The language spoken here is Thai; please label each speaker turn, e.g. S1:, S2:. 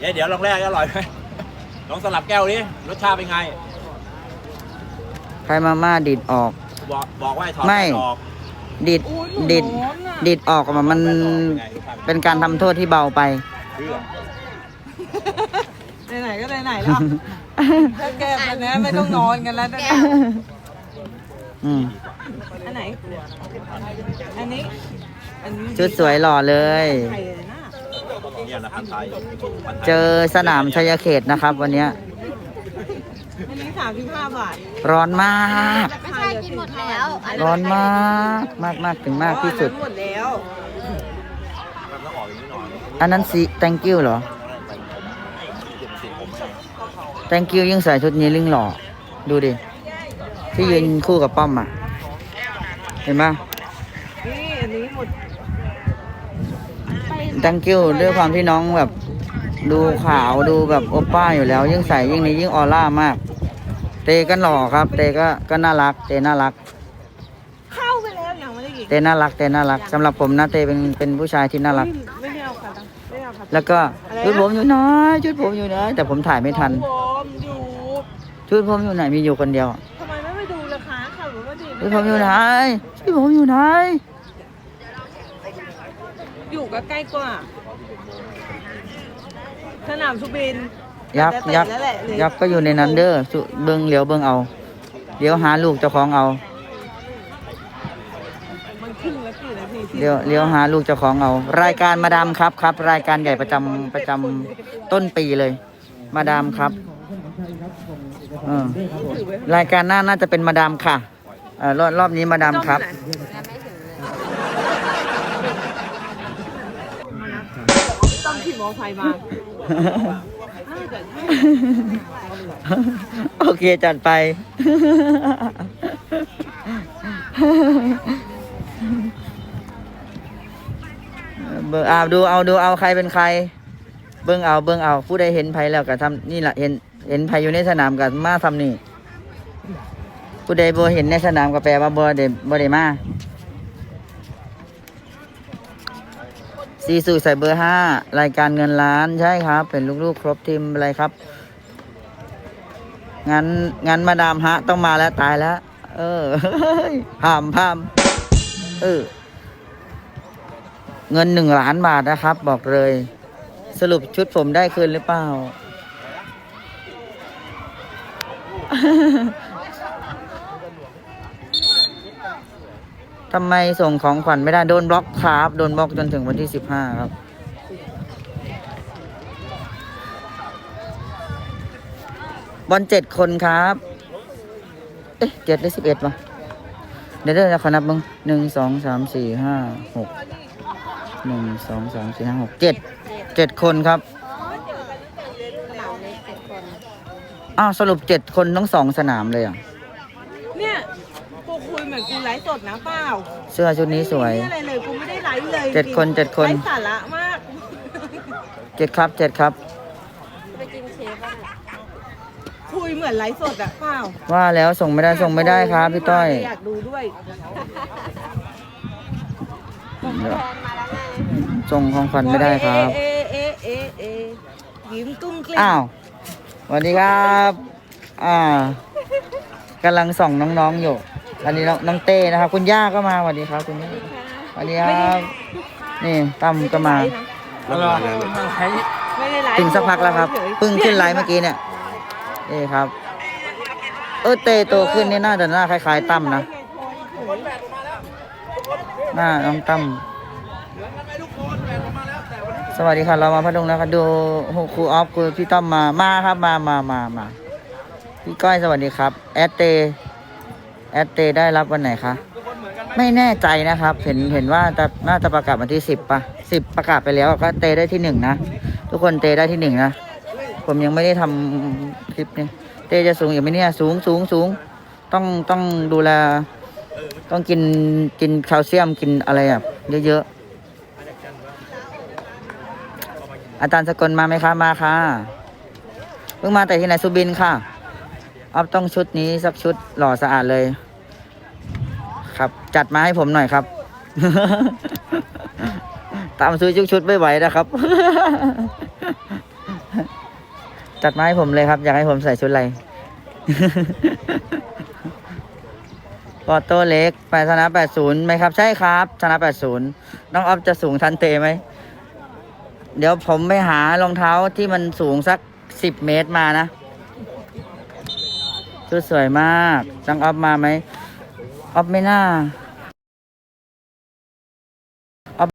S1: เดี๋ยวลองแรกอร่อยไหมลองสลับแก้วดิรสชาติเป็นไง
S2: ใครมาม่าดิดออก
S1: บอกว่าถอด
S2: ไม่
S1: ออก
S2: ดิดดิดออกมันเป็นการทำโทษที่เบาไป
S3: ไหนก็ไหนแล้วถ้าแก้แบบนี้ไม่ต้องนอนกันแล้วนะอันไหนอันนี้
S2: ชุดสวยหล่อเลยเจอสนามชัยเขตนะครับวันนี้
S3: อันนี้35 บาท
S2: ร้อนมาก
S4: ไม่ใช่กินหมดแล้ว
S2: ร้อนมากถึงมากที่สุด
S3: หมดแล้ว
S2: อันนั้นสิ thank you เหรอ thank you ยิ่งใส่ชุดนี้ลิ่งหล่อดูดิที่ยืนคู่กับป้อมอ่ะเห็นปะ
S3: นี่อันนี้หมด
S2: thank you ด้วยความที่น้องแบบดูขาวดูแบบโอป้าอยู่แล้วยิ่งใส่ยิ่งนี้ยิ่งออร่ามากเตก็หล่อครับเตก็น่ารักเตน่ารัก
S3: เข้าไปแล้วยังไม่ได้กิน
S2: เตน่ารักสำหรับผมนะเตเป็นผู้ชายที่น่ารัก
S3: ไม่ได้เอาค่ะไม่เอาค่ะ
S2: แล้วก็ชุดผมอยู่ไหนแต่ผมถ่ายไม่ทันชุดผมอยู่ไหนมีอยู่คนเดียว
S3: ทำไมไม่ไปดูราคาค่ะหรือว่า
S2: ชุดผมอยู่ไหนชุดผมอยู่ไหน
S3: อยู่ก็ใกล้กว่าสนามสุบิน
S2: ยักษ์ก็อยู่ในนั้นเด้อเบิ้งเหลียวเบิ้งเอาเดี๋ยวหาลูกเจ้าของเอาเดี๋ยวหาลูกเจ้าของเอารายการมาดามครับรายการใหญ่ประจำต้นปีเลยมาดามครับรายการหน้าน่าจะเป็นมาดามค่ะรอบนี้มาดามครับ
S3: ต้องขี่มอไซค์มา
S2: โอเคจัดไปเบิ่งดูเอาใครเป็นใครเบิ่งเอาผู้ใดเห็นไผแล้วก็ทำนี่แหละเห็นไผอยู่ในสนามก็มาทำนี่ผู้ใดบ่เห็นในสนามก็แปลว่าบ่ได้มาซีซูใส่เบอร์5รายการเงินล้านใช่ครับเป็นลูกๆครบทีมอะไรครับงั้นมาดามฮะต้องมาแล้วตายแล้วพามเงิน1 ล้านบาทนะครับบอกเลยสรุปชุดผมได้คืนหรือเปล่าทำไมส่งของขวัญไม่ได้โดนบล็อกครับโดนบล็อกจนถึงวันที่15ครับบอล7 คนครับ7 หรือ 11วะเดี๋ยวขอนับมึง1 2 3 4 5 6 1 2 3 4 5 6 7 คนครับสรุป7 คนทั้ง2 สนามเลย
S3: เนี่ยกูคุยเหมือนกูไลฟ์สดนะเปล่า
S2: เสื้อชุดนี้สวย
S3: อะไรเลยกูไม่ได้ไลฟ์เลย
S2: 7 คนไ
S3: ร้สาระมาก
S2: 7 ครับ
S4: ไปกินเชฟบ้าง
S3: คุยเหมือนไลฟ์สดอะเปล่า
S2: ว่าแล้วส่งไม่ได้ครับพี่ต้อย
S3: อยากดูด้วย
S2: ส่งของขวัญไม่ได้ครับ
S3: ยิ้มตุ้มกลิ้ง
S2: สวัสดีครับกำลังส่องน้องๆอยู่อันนี้น้องเต้นะครับคุณย่าก็มาสวัสดีครับคุณย่าสวัสดีครับนี่ตั้มก็มาถึงสักพักแล้วครับเพิ่งขึ้นไลน์เมื่อกี้เนี่ยนี่ครับเต้โตขึ้นนี่น่าจะหน้าคล้ายๆตั้มนะหน้าน้องตั้มสวัสดีค่ะเรามาพัดลงนะครับดูครูออฟคือพี่ต้อมมาครับมาพี่ก้อยสวัสดีครับแอดเตได้รับวันไหนคะไม่แน่ใจนะครับเห็นว่าน่าจะประกาศวันที่10ป่ะ10ประกาศไปแล้วก็เตได้ที่1นะทุกคนเตได้ที่1นะผมยังไม่ได้ทำคลิปนี่เตจะสูงอยู่ไหมเนี่ยสูงต้องดูแลต้องกินแคลเซียมกินอะไรเยอะอาจารย์สกลมาไหมคะมาค่ะเพิ่งมาแต่ที่ไหนสุบินค่ะต้องชุดนี้สักชุดหล่อสะอาดเลยครับจัดมาให้ผมหน่อยครับตามซื้อชุดไม่ไหวนะครับจัดมาให้ผมเลยครับ อยากให้ผมใส่ชุดอะไร ปอโต้เล็กไปชนะ80ไหมครับ ใช่ครับชนะ80น้องออฟจะสูงทันเตไหม เดี๋ยวผมไปหารองเท้าที่มันสูงสัก10 เมตรมานะ ชุดสวยมากน้องออฟมาไหมออฟไม่น่า